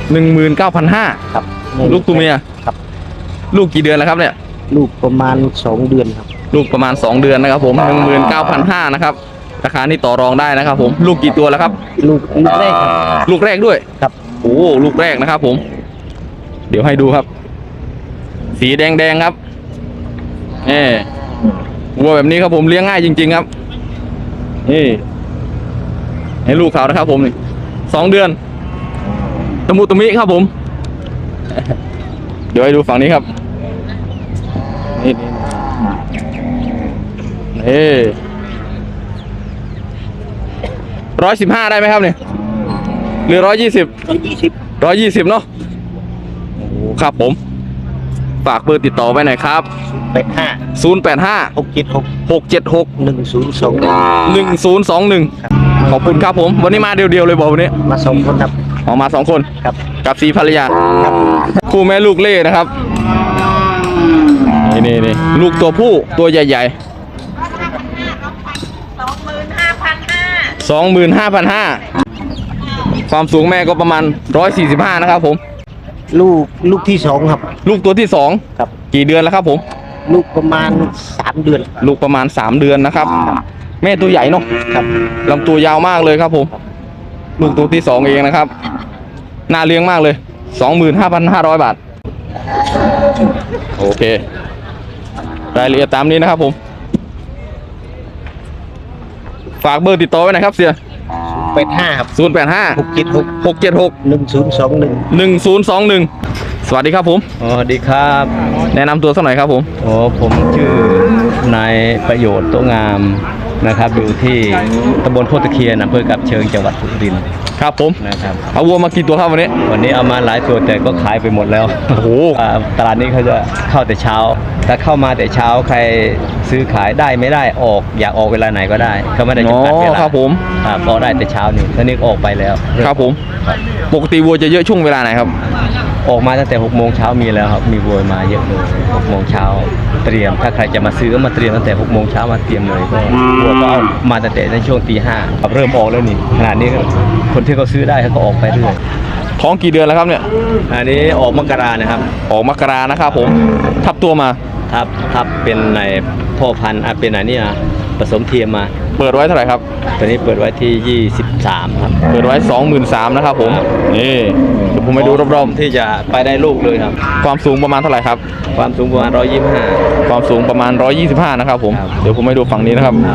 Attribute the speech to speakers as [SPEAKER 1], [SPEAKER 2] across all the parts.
[SPEAKER 1] 19,500
[SPEAKER 2] ครับ
[SPEAKER 1] ลูกตัวเมีย
[SPEAKER 2] ครับ
[SPEAKER 1] ลูกกี่เดือนแล้วครับเนี่ย
[SPEAKER 2] ลูกประมาณ2 เดือนครับ
[SPEAKER 1] ลูกประมาณ2 เดือนนะครับผม 19,500นะครับราคานี่ต่อรองได้นะครับผมลูกกี่ตัวแล้วครับ
[SPEAKER 2] ลูกแรกครับ
[SPEAKER 1] ลูกแรกด้วย
[SPEAKER 2] ครับ
[SPEAKER 1] โอ้ลูกแรกนะครับผมเดี๋ยวให้ดูครับสีแดงครับวัวแบบนี้ครับผมเลี้ยงง่ายจริงๆครับนี่ให้ลูกเขานะครับผมนี่2 เดือนตะมุตะมิครับผมเดี๋ยวให้ดูฝั่งนี้ครับนี่115ได้ไหมครับเนี่ยหรือ120เนาะโอ้ครับผมฝากเบอร์ติดต่อไว้หน่อยครับ085 676 1021ขอบคุณครับผมวันนี้มาเดียวๆเลยบอกวันนี้
[SPEAKER 2] มา2 คนครับ
[SPEAKER 1] ออกมา2 คน
[SPEAKER 2] ครับ
[SPEAKER 1] กับสีภรรยา
[SPEAKER 2] ครับ
[SPEAKER 1] คู่แม่ลูกเล่นะครับนี่ลูกตัวผู้ตัวใหญ่ๆ25,500ความสูงแม่ก็ประมาณ145นะครับผม
[SPEAKER 2] ลูกที่2ครับ
[SPEAKER 1] ลูกตัวที่2
[SPEAKER 2] ครับ
[SPEAKER 1] กี่เดือนแล้วครับผม
[SPEAKER 2] ลูกประมาณ3 เดือน
[SPEAKER 1] ลูกประมาณ3 เดือนนะครับแม่ตัวใหญ่เนาะ
[SPEAKER 2] ครับ
[SPEAKER 1] ลำตัวยาวมากเลยครับผมลูกตัวที่2เองนะครับน่าเลี้ยงมากเลย 25,500 บาทโอเครายละเอียดตามนี้นะครับผมฝากเบอร์ติดต่อไว้หน่อยครับเสีย
[SPEAKER 2] 85ครับ
[SPEAKER 1] 085
[SPEAKER 2] 676
[SPEAKER 1] 1021สวัสดีครับผม
[SPEAKER 3] สวัสดีครับ
[SPEAKER 1] แนะนำตัวสักหน่อยครับผม
[SPEAKER 3] ผมชื่อนายประโยชน์โตงามนะครับอยู่ที่ตำบลโคตรเคียนอำเภอกับเชิงจังหวัดสุรินทร์
[SPEAKER 1] ครับผม
[SPEAKER 3] นะครับ
[SPEAKER 1] เอาวัวมากี่ตัวครับวันนี้
[SPEAKER 3] เอามาหลายตัวแต่ก็ขายไปหมดแล้ว
[SPEAKER 1] โอ้โห
[SPEAKER 3] ตลาดนี้เขาจะเข้าแต่เช้าถ้าเข้ามาแต่เช้าใครซื้อขายได้ไม่ได้ออกอยากออกเวลาไหนก็ได้เขาไม่ได้จำกัดเวลา
[SPEAKER 1] ครับผม
[SPEAKER 3] ออกได้แต่เช้านี่ตอนนี้ออกไปแล้ว
[SPEAKER 1] ครับผมปกติวัวจะเยอะช่วงเวลาไหนครับ
[SPEAKER 3] ออกมาตั้งแต่6 โมงเช้ามีแล้วครับมีวัวมาเยอะเลย6 โมงเช้าเตรียมถ้าใครจะมาซื้อก็มาเตรียมตั้งแต่6 โมงเช้ามาเตรียมเลยก็วัวก็เอามาตั้งแต่ในช่วงตี 5ครับเริ่มออกแล้วนี่ขนาดนี้คนที่เขาซื้อได้เขาก็ออกไปเรื่อย
[SPEAKER 1] ท้องกี่เดือนแล้วครับเนี่ย
[SPEAKER 3] อันนี้ออกมกรานะครับ
[SPEAKER 1] ออกมกรานะครับผมทับตัวมา
[SPEAKER 3] ทับเป็นในพ่อพันธุ์เป็นไหนนี่ผสมเทียมมา
[SPEAKER 1] เปิดไว้เท่าไหร่ครับ
[SPEAKER 3] ตัวนี้เปิดไว้ที่23ครับ
[SPEAKER 1] เปิดไว้ 23,000นะครับผมนี่เดี๋ยวผมไปดูรอบ
[SPEAKER 3] ๆที่จะไปได้ลูกเลยครับ
[SPEAKER 1] ความสูงประมาณเท่าไหร่ครับ
[SPEAKER 3] ความสูงประมาณ125
[SPEAKER 1] ความสูงประมาณ125นะครับผมเดี๋ยวผมไปดูฝั่งนี้นะครับ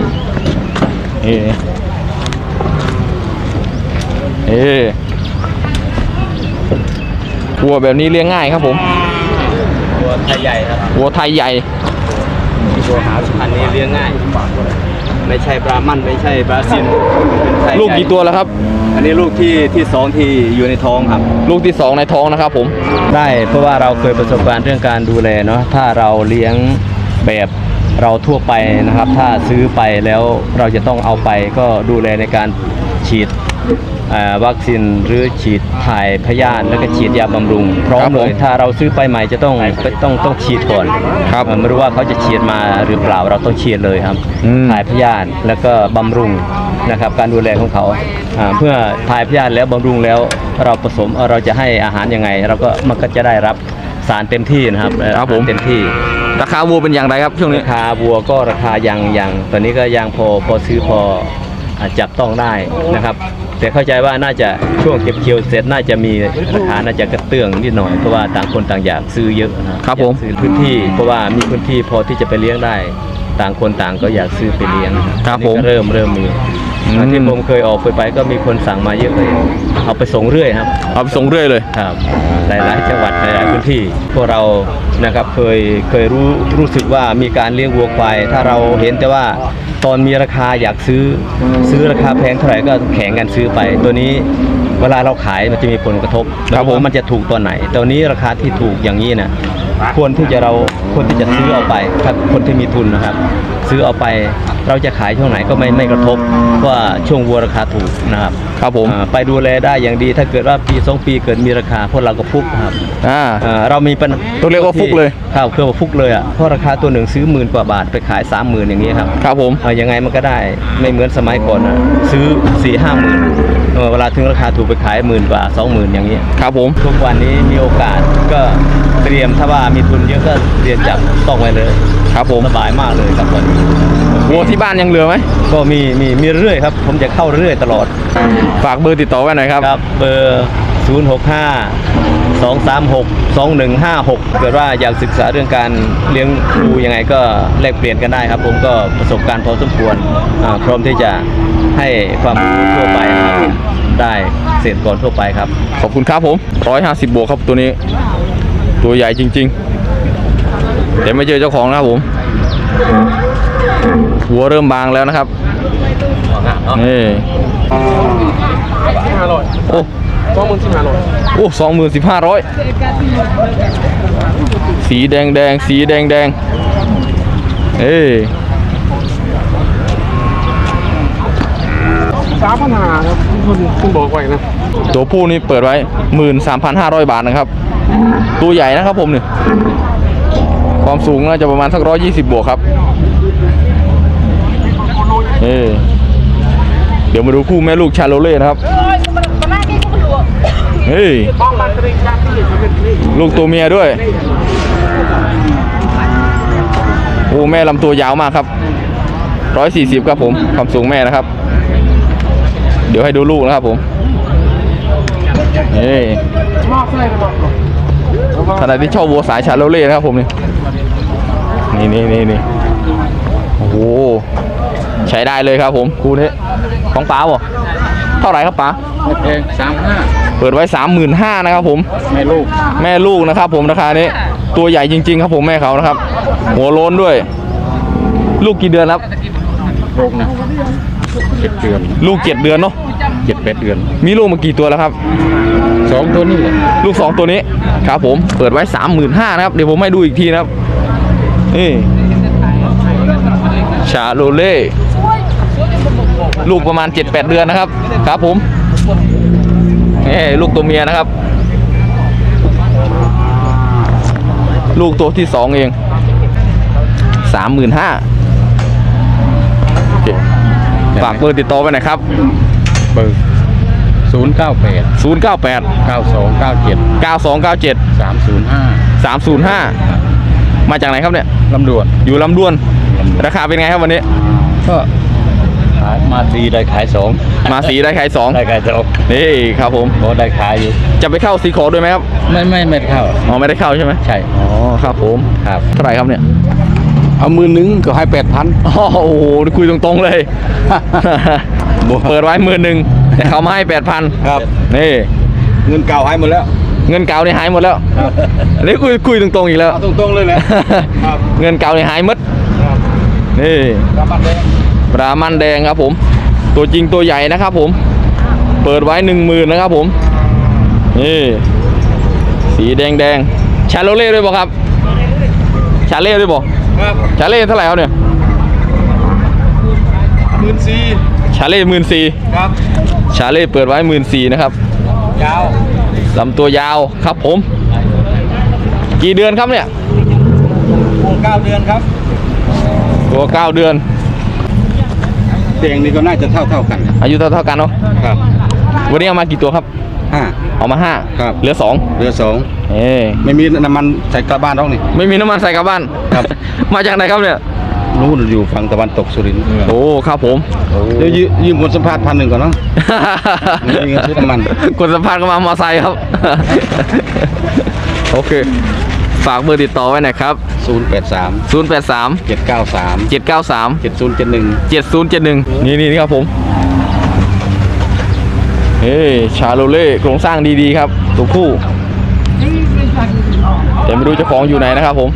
[SPEAKER 1] วัวแบบนี้เลี้ยงง่ายครับผม
[SPEAKER 3] วัวไทยใหญ่ครับ
[SPEAKER 1] วัวไทยใหญ่
[SPEAKER 3] วัวหาพันธุ์นี้เลี้ยงง่ายไม่ใช่บราหมันไม่ใช่บราซิล
[SPEAKER 1] ลูกกี่ตัวแล้วครับ
[SPEAKER 3] อันนี้ลูกที่2ที่อยู่ในท้องครับ
[SPEAKER 1] ลูกที่2ในท้องนะครับผม
[SPEAKER 3] ได้เพราะว่าเราเคยประสบการณ์เรื่องการดูแลเนาะถ้าเราเลี้ยงแบบเราทั่วไปนะครับถ้าซื้อไปแล้วเราจะต้องเอาไปก็ดูแลในการฉีดวัคซีนหรือฉีดถ่ายพยาธิแล้วก็ฉีดยาบำรุงพร้อมเลยถ้าเราซื้อไปใหม่จะต้องฉีดก่อน
[SPEAKER 1] ครับ
[SPEAKER 3] ไม่รู้ว่าเขาจะฉีดมาหรือเปล่าเราต้องฉีดเลยครับถ่ายพยาธิแล้วก็บำรุงนะครับการดูแลของเขาเพื่อถ่ายพยาธิแล้วบำรุงแล้วเราผสมเราจะให้อาหารยังไงมันก็จะได้รับสารเต็มที่นะครับ
[SPEAKER 1] ผม
[SPEAKER 3] เต็มที่
[SPEAKER 1] ราคาวัวเป็นอย่างไรครับช่วงนี้
[SPEAKER 3] ราคาวัวก็ราคายังตอนนี้ก็ยังพอซื้อพอจับต้องได้นะครับแต่เข้าใจว่าน่าจะช่วงเก็บเกี่ยวเสร็จน่าจะมีราคาน่าจะกระเตื้องนิดหน่อยเพราะว่าต่างคนต่างอยากซื้อเยอะ
[SPEAKER 1] นะครับผม
[SPEAKER 3] ซื้อพื้นที่เพราะว่ามีพื้นที่พอที่จะไปเลี้ยงได้ต่างคนต่างก็อยากซื้อไปเลี้ยง
[SPEAKER 1] ครับผม
[SPEAKER 3] เริ่มมีที่ผมเคยออกไปก็มีคนสั่งมาเยอะเลยเอาไปส่งเรื่อยครับ
[SPEAKER 1] เอาไปส่งเรื่อยเลย
[SPEAKER 3] ครับหลายจังหวัดหลายพื้นที่พวกเรานะครับเคยรู้สึกว่ามีการเลี้ยงวัวควายถ้าเราเห็นแต่ว่าตอนมีราคาอยากซื้อราคาแพงเท่าไหร่ก็แข่งกันซื้อไปตัวนี้เวลาเราขายมันจะมีผลกระทบมันจะถูกตัวไหนตัวนี้ราคาที่ถูกอย่างนี้นะควรที่จะซื้อเอาไปถ้าคนที่มีทุนนะครับซื้อเอาไปเราจะขายช่วงไหนก็ไม่กระทบเพราะว่าช่วงวัวราคาถูกนะครับ
[SPEAKER 1] ครับผม
[SPEAKER 3] ไปดูแลได้อย่างดีถ้าเกิดว่าปี2 ปีเกิดมีราคาพวกเราก็ฟุกครับ เรามีปัญ
[SPEAKER 1] ต้องเรียกว่าฟุกเลย
[SPEAKER 3] ครับคือว่าฟุกเลยอ่ะเพราะราคาตัวหนึ่งซื้อ10,000 กว่าบาทไปขาย 30,000 อย่างนี้ครับ
[SPEAKER 1] ครับผม
[SPEAKER 3] ยังไงมันก็ได้ไม่เหมือนสมัยก่อนอะซื้อ 4-5 หมื่นเวลาถึงราคาถูกไปขาย10,000 กว่า 20,000 อย่างนี้
[SPEAKER 1] ครับผม
[SPEAKER 3] ทุกวันนี้มีโอกาสก็เตรียมถ้าว่ามีทุนเยอะก็เตรียมจับต้องไว้เลย
[SPEAKER 1] ครับผม
[SPEAKER 3] สบายมากเลยครับตอนนี้
[SPEAKER 1] วัวที่บ้านยังเหลือไหม
[SPEAKER 3] ก็มีเรื่อยครับผมจะเข้าเรื่อยตลอด
[SPEAKER 1] ฝากเบอร์ติดต่อไว้หน่อยครับ
[SPEAKER 3] ครับเบอร์065-236-2156เกิดว่าอยากศึกษาเรื่องการเลี้ยงดูยังไงก็แลกเปลี่ยนกันได้ครับผมก็ประสบการณ์พอสมควรพร้อมที่จะให้ความรู้ทั่วไปนะครับได้เกษตรกรทั่วไปครับ
[SPEAKER 1] ขอบคุณครับผม150 บวกครับตัวนี้ ตัวใหญ่จริงๆแต่ไม่เจอเจ้าของนะครับผม หัวเริ่มบางแล้วนะครับนี่โอ้โอ้20,500สีแดงสีแดงเอ้ย
[SPEAKER 4] 3,500ครับคุณบอกไว้นะ
[SPEAKER 1] ตัวผู้นี่เปิดไว้ 13,500 บาทนะครับ ตัวใหญ่นะครับผมเนี่ยความสูงน่าจะประมาณสัก120 บวกครับเดี๋ยวมาดูคู่แม่ลูกชาโลเล่นะครับเฮ้ยลูกตัวเมียด้วยโอ้แม่ลำตัวยาวมากครับ140ครับผมความสูงแม่นะครับเดี๋ยวให้ดูลูกนะครับผมขณะที่ชอบวัวสายชาโลเล่นะครับผมนี่โอ้โหใช้ได้เลยครับผมคู่นี้ของป๋าบ่เท่าไหร่ครับป๋า
[SPEAKER 4] เอง35,000
[SPEAKER 1] เปิดไว้ 35,000นะครับผมแม่ลูกนะครับผมราคานี้ตัวใหญ่จริงๆครับผมแม่เขานะครับหัวโล้นด้วย ลูกกี่เดือนครับ
[SPEAKER 4] โรคนะ7 เดือน
[SPEAKER 1] ลูก7 เดือนเนาะ
[SPEAKER 4] 7-8 เดือน
[SPEAKER 1] มีลูกมากี่ตัวแล้วครับ
[SPEAKER 4] 2 ตัวนี่แหละ
[SPEAKER 1] ลูก2ตัวนี้ครับผมเปิดไว้ 35,000นะครับเดี๋ยวผมให้ดูอีกทีนะครับนี่ชาโลเล่ลูกประมาณ 7-8 เดือนนะครับครับผมนี่ลูกตัวเมียนะครับลูกตัวที่2เอง35,000โอเคฝากเบอร์ติดต่อไปหน่อยครับ
[SPEAKER 4] เบอร์098
[SPEAKER 1] 098
[SPEAKER 4] 9297
[SPEAKER 1] 9297
[SPEAKER 4] 305
[SPEAKER 1] 305มาจากไหนครับเนี่ย
[SPEAKER 4] ลำดวน
[SPEAKER 1] อยู่ลำดวนราคาเป็นไงครับวันนี้
[SPEAKER 4] ก็ขายมาสีได้ขาย2
[SPEAKER 1] มาสีได้ขาย2
[SPEAKER 4] ได้ขาย2
[SPEAKER 1] นี่ครับผม
[SPEAKER 4] ก็ได้ขายอยู่
[SPEAKER 1] จะไปเข้าสีขอด้วยไหมครับ
[SPEAKER 4] ไม่เข้า
[SPEAKER 1] อ๋อไม่ได้เข้าใช่ไหม
[SPEAKER 4] ใช่
[SPEAKER 1] อ๋อครับผมครับเท่าไหร่ครับเนี่ย
[SPEAKER 4] เอา10,000ก็ให้ 8,000
[SPEAKER 1] อ๋อโอ้โหคุยตรงๆเลย เปิดไว้10,000แต่เขามาให้ 8,000
[SPEAKER 4] ครับ
[SPEAKER 1] นี่
[SPEAKER 4] เงินเก่าให้หมดแล้ว
[SPEAKER 1] เงินเก่านี่หายหมดแล้วอันนี้คุยตรงๆอีกแล้ว
[SPEAKER 4] เอาตรงๆเลยแหละครับ
[SPEAKER 1] เงินเก่านี่หายหมดนี่
[SPEAKER 4] รับบัตรเลย
[SPEAKER 1] ปลามันแดงครับผม ตัวจริงตัวใหญ่นะครับผม เปิดไว้ 10,000นะครับผมนี่สีแดงชาโลเล่ด้วยบ่ครับชาเล่ด้วยบ่
[SPEAKER 4] ครับ
[SPEAKER 1] ชาเล่เท่าไหร่ครับเนี่ย
[SPEAKER 4] 14,000
[SPEAKER 1] ชาเล่14,000
[SPEAKER 4] ครับ
[SPEAKER 1] ชาเล่เปิดไว้14,000นะครับ
[SPEAKER 4] ยาว
[SPEAKER 1] ลำตัวยาวครับผม กี่เดือนครับเนี่ย
[SPEAKER 4] 9 เดือนครับ
[SPEAKER 1] ตัว9 เดือน
[SPEAKER 4] เตียงนี่ก็น่าจะเท่ากัน
[SPEAKER 1] อายุเท่ากันเนาะ
[SPEAKER 4] ครับ
[SPEAKER 1] วันนี้เอามากี่ตัวครับ
[SPEAKER 4] 5
[SPEAKER 1] เอามา5
[SPEAKER 4] ครับ
[SPEAKER 1] เหลือ2
[SPEAKER 4] เรือ2ไม่มีน้ำมันใส่กระบ้านหรอกนี่
[SPEAKER 1] ไม่มีน้ำมันใส่กลับบ้าน
[SPEAKER 4] ครับ
[SPEAKER 1] มาจากไหนครับเนี่ย
[SPEAKER 4] นู่นอยู่ฝั่งตะวันตกสุรินทร์
[SPEAKER 1] โอ้ครับผม
[SPEAKER 4] เดี๋ยวยืมคนสัมภาษณ์1,000ก่อนเนาะ ไม่มีเงินซื้อน้ำมัน
[SPEAKER 1] กดสัมภาษณ์ก็มามอไซค์ครับ โอเค ฝากเบอร์ติดต่อไว้หน่อยครับ
[SPEAKER 4] 083
[SPEAKER 1] 083
[SPEAKER 4] 793
[SPEAKER 1] 793
[SPEAKER 4] 7071
[SPEAKER 1] 7071นี่ครับผมชาโลเล่โครงสร้างดีๆครับตัวผู้แต่ไม่รู้เจ้าของอยู่ไหนนะครับผม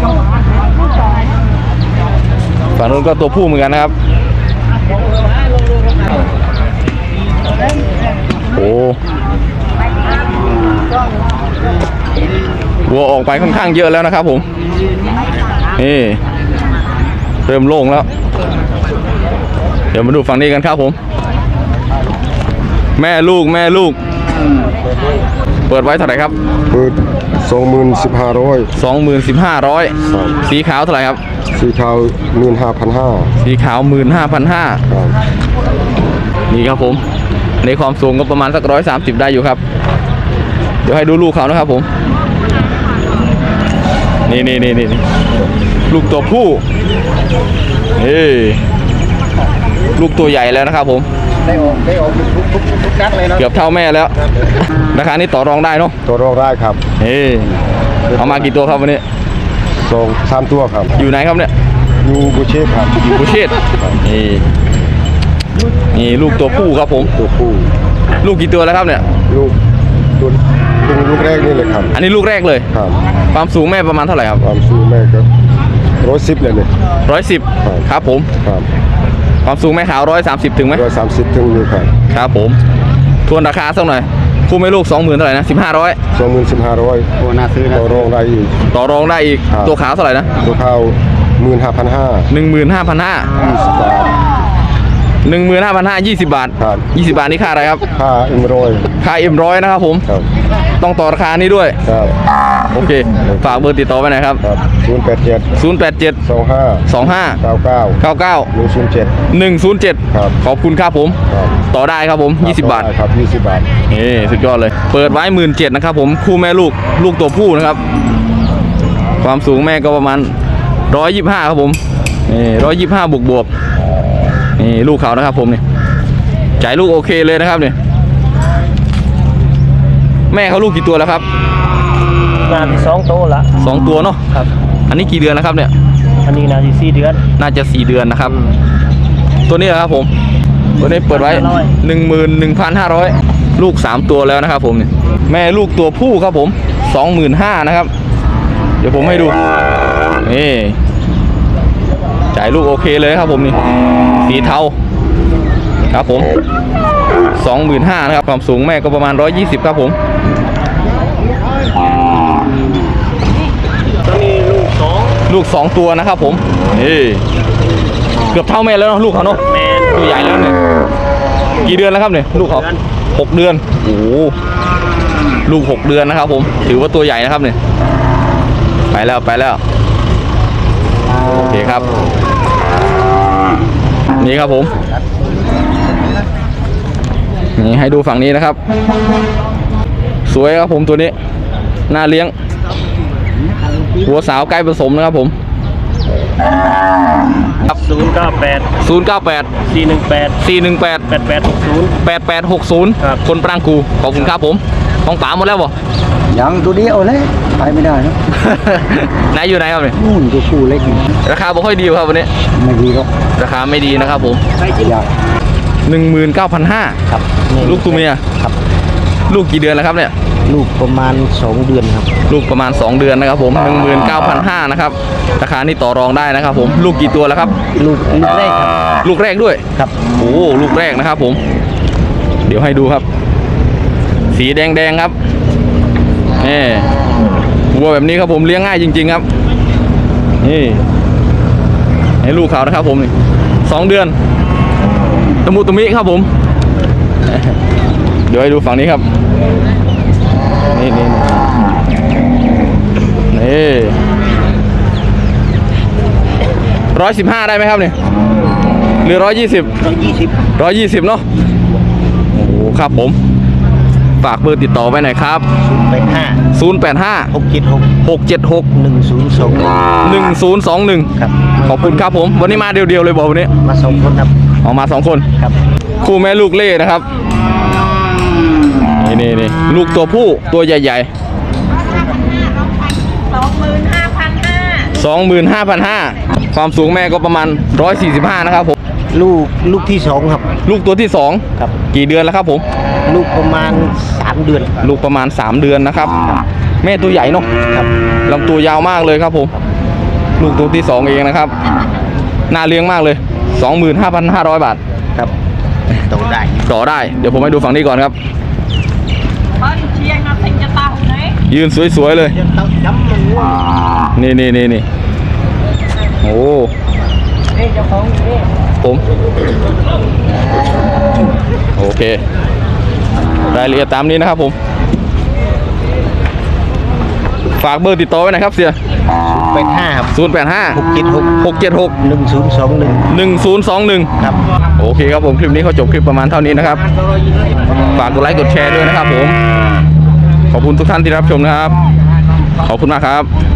[SPEAKER 1] ฝั่งนู้นก็ตัวผู้เหมือนกันนะครับโอ้วัวออกไปค่อนข้างเยอะแล้วนะครับผมนี่เริ่มโล่งแล้วดี๋ยวมาดูฝั่งนี้กันครับผม แม่ลูกเปิดไว้เท่าไหร่ครับ
[SPEAKER 5] เปิด20,500
[SPEAKER 1] 25,500สีขาวเท่าไหร่ครับ
[SPEAKER 5] สีขาว15,500
[SPEAKER 1] สีขาว 15,500
[SPEAKER 5] ครับ
[SPEAKER 1] นี่ครับผมในความสูงก็ประมาณสัก130ได้อยู่ครับ เดี๋ยวให้ดูลูกเขานะครับผมนี่ลูกตัวผู้ลูกตัวใหญ่แล้วนะครับผม
[SPEAKER 2] ได้ออกทุกนัดเลยเนาะ
[SPEAKER 1] เกือบเท่าแม่แล้ว ราคานี้ต่อรองได้เนาะ
[SPEAKER 5] ตัวรองได้ครับ
[SPEAKER 1] เอามากี่ตัวครับวันนี้
[SPEAKER 5] 3 ตัวครับ
[SPEAKER 1] อยู่ไหนครับเนี่ย
[SPEAKER 5] อยู่บุเชฟครับ
[SPEAKER 1] อยู่กุเชตนี่ลูกตัวผู้ครับผม
[SPEAKER 5] ตัวผู้
[SPEAKER 1] ลูกกี่ตัวแล้วครับเนี่ย
[SPEAKER 5] ลูกลูกแรกนี่เลยครับ
[SPEAKER 1] อันนี้ลูกแรกเลย
[SPEAKER 5] ครับ
[SPEAKER 1] ความสูงแม่ประมาณเท่าไหร่ครับ
[SPEAKER 5] ความสูงแม่ก็110เลยเนี่ย
[SPEAKER 1] 110ครับผม
[SPEAKER 5] ครับ
[SPEAKER 1] ความสูงแม่ขาว130ถึงไหม
[SPEAKER 5] 130ถึงนี่ครับ
[SPEAKER 1] ครับผมทวนราคาสักหน่อยคู่แม่ลูก 20,000เท่าไหร่นะ1,500
[SPEAKER 5] 20,500
[SPEAKER 4] โอ้น่าซื้อนะ
[SPEAKER 5] ตัวรองได้อีก
[SPEAKER 1] ต่อรองได้อีก
[SPEAKER 5] ครับ
[SPEAKER 1] ตัวขาวเท่าไหร่นะ
[SPEAKER 5] ตัวข้าว15,500
[SPEAKER 1] 15,500
[SPEAKER 5] 20 บาท
[SPEAKER 1] 15,500 20 บาท
[SPEAKER 5] ครับ
[SPEAKER 1] 20 บาทนี่ค่าอะไรครับ
[SPEAKER 5] ค่าM100
[SPEAKER 1] ค่า M100 นะครับผม
[SPEAKER 5] ครับ
[SPEAKER 1] ต้องต่อราคานี้ด้วย
[SPEAKER 5] ครับ
[SPEAKER 1] โอเคฝากเบอร์ติดต่อไว้หน่อยครับ
[SPEAKER 5] ครับ087
[SPEAKER 1] 087
[SPEAKER 5] 25
[SPEAKER 1] 25
[SPEAKER 5] 99
[SPEAKER 1] 99 107
[SPEAKER 5] ครับ
[SPEAKER 1] ขอบคุณครับผม
[SPEAKER 5] ครับ
[SPEAKER 1] ต่อได้ครับผม20 บาท
[SPEAKER 5] ได้ครับ20 บาท
[SPEAKER 1] สุดยอดเลย เปิดไว้17,000นะครับผมคู่แม่ลูกตัวผู้นะครับ ความสูงแม่ก็ประมาณ125ครับผม125บวกนี่ลูกเขานะครับผมนี่จ่ายลูกโอเคเลยนะครับเนี่ยแม่เขาลูกกี่ตัวแล้วครับ
[SPEAKER 2] งานที่2โตละ
[SPEAKER 1] 2 ตัวเนาะ
[SPEAKER 2] ครับ
[SPEAKER 1] อันนี้กี่เดือนแล้วครับเนี่ย
[SPEAKER 2] อันนี้นาที4เดือน
[SPEAKER 1] น่าจะ4 เดือนนะครับ ตัวนี้แหละครับผมตัวนี้เปิดไว้ 11,500 ลูก3ตัวแล้วนะครับผมเนี่ยแม่ลูกตัวผู้ครับผม 25,000นะครับ เดี๋ยวผมให้ดูนี่จ่ายลูกโอเคเลยครับผมนี่สีเทาครับผม 25,000นะครับความสูงแม่ก็ประมาณ120ครับผม
[SPEAKER 2] ตอนนี้ลูก
[SPEAKER 1] 2 ตัวนะครับผมเกือบเท่าแม่แล้วเนาะลูกเขาเนาะ
[SPEAKER 2] แมน
[SPEAKER 1] ตัวใหญ่แล้วเนี่ยกี่เดือนแล้วครับเนี่ยลูกเขา6 เดือนโอ้โหลูก6 เดือนนะครับผมถือว่าตัวใหญ่นะครับเนี่ยไปแล้วโอเคครับนี่ครับผมนี่ให้ดูฝั่งนี้นะครับ สวยครับผมตัวนี้น่าเลี้ยงหัวสาวใกล้ผสมนะครับผมครับ098 418 8860 คนปรางกูขอบคุณครับผมของป๋าหมดแล้วบ่
[SPEAKER 2] ยังตัวเดียวเลยไปไม่ได้นะ
[SPEAKER 1] ไหนอยู่ไหนครับเนี่ย
[SPEAKER 2] นู่นตัวผู้เล็กนี่
[SPEAKER 1] ราคาบ่ค่อยดีครับวันนี้
[SPEAKER 2] ไม่ดีหรอก
[SPEAKER 1] ราคาไม่ดีนะครับผม
[SPEAKER 2] อยาก
[SPEAKER 1] 19,500
[SPEAKER 2] ครับ
[SPEAKER 1] ลูกตัวเมีย
[SPEAKER 2] ครับ
[SPEAKER 1] ลูกกี่เดือนแล้วครับเนี่ย
[SPEAKER 2] ลูกประมาณ2เดือนครับ
[SPEAKER 1] ลูกประมาณ2 เดือนนะครับผม 19,500 นะครับราคานี่ต่อรองได้นะครับผมลูกกี่ตัวแล้วครับ
[SPEAKER 2] ลูกแรกครับ
[SPEAKER 1] ลูกแรกด้วย
[SPEAKER 2] ครับ
[SPEAKER 1] โอ้ลูกแรกนะครับผม เดี๋ยวให้ดูครับ สีแดงครับนี่วัวแบบนี้ครับผมเลี้ยงง่ายจริงๆครับนี่ให้ลูกเขานะครับผมนี่2 เดือนตะมุตะมิครับผม เดี๋ยวให้ดูฝั่งนี้ครับนี่115ได้ไหมครับเนี่ยหรือ120เนาะโอ้โหครับผมฝากเบอร์ติดต่อไว้หน่อยครับ
[SPEAKER 2] 85
[SPEAKER 1] 085
[SPEAKER 2] 676
[SPEAKER 1] 676
[SPEAKER 2] 1021
[SPEAKER 1] 1021
[SPEAKER 2] ครับ
[SPEAKER 1] ขอบคุณครับผมวันนี้มาเดียวๆเลยบอกวันนี้
[SPEAKER 2] มา2คนครับ
[SPEAKER 1] ออกมา2 คน
[SPEAKER 2] ครับ
[SPEAKER 1] คู่แม่ลูกเล่นะครับนี่ลูกตัวผู้ตัวใหญ่ๆ 25,500 ความสูงแม่ก็ประมาณ145นะครับผม
[SPEAKER 2] ลูกที่2ครับ
[SPEAKER 1] ลูกตัวที่2
[SPEAKER 2] ครับ
[SPEAKER 1] กี่เดือนแล้วครับผม
[SPEAKER 2] ลูกประมาณ3เดือน
[SPEAKER 1] ลูกประมาณ3 เดือนนะครับ แม่ตัวใหญ่เนาะ
[SPEAKER 2] ครับ
[SPEAKER 1] ลำตัวยาวมากเลยครับผม ลูกตัวที่2เองนะครับน่าเลี้ยงมากเลย 25,500 บาท
[SPEAKER 2] ครับโตได้
[SPEAKER 1] ต่อได้เดี๋ยวผมให้ดูฝั่งนี้ก่อนครับยืนสวยๆเลยนี่โอ้ผมโอเครายละเอียดตามนี้นะครับผมฝากเบอร์ติดต่อไว้หน่อยครับเสีย
[SPEAKER 2] 85ครับ
[SPEAKER 1] 085
[SPEAKER 2] 676
[SPEAKER 1] 676
[SPEAKER 2] 1021
[SPEAKER 1] 1021
[SPEAKER 2] ครับ
[SPEAKER 1] โอเคครับผมคลิปนี้เขาจบคลิปประมาณเท่านี้นะครับฝากกดไลค์กดแชร์ด้วยนะครับผมขอบคุณทุกท่านที่รับชมนะครับขอบคุณมากครับ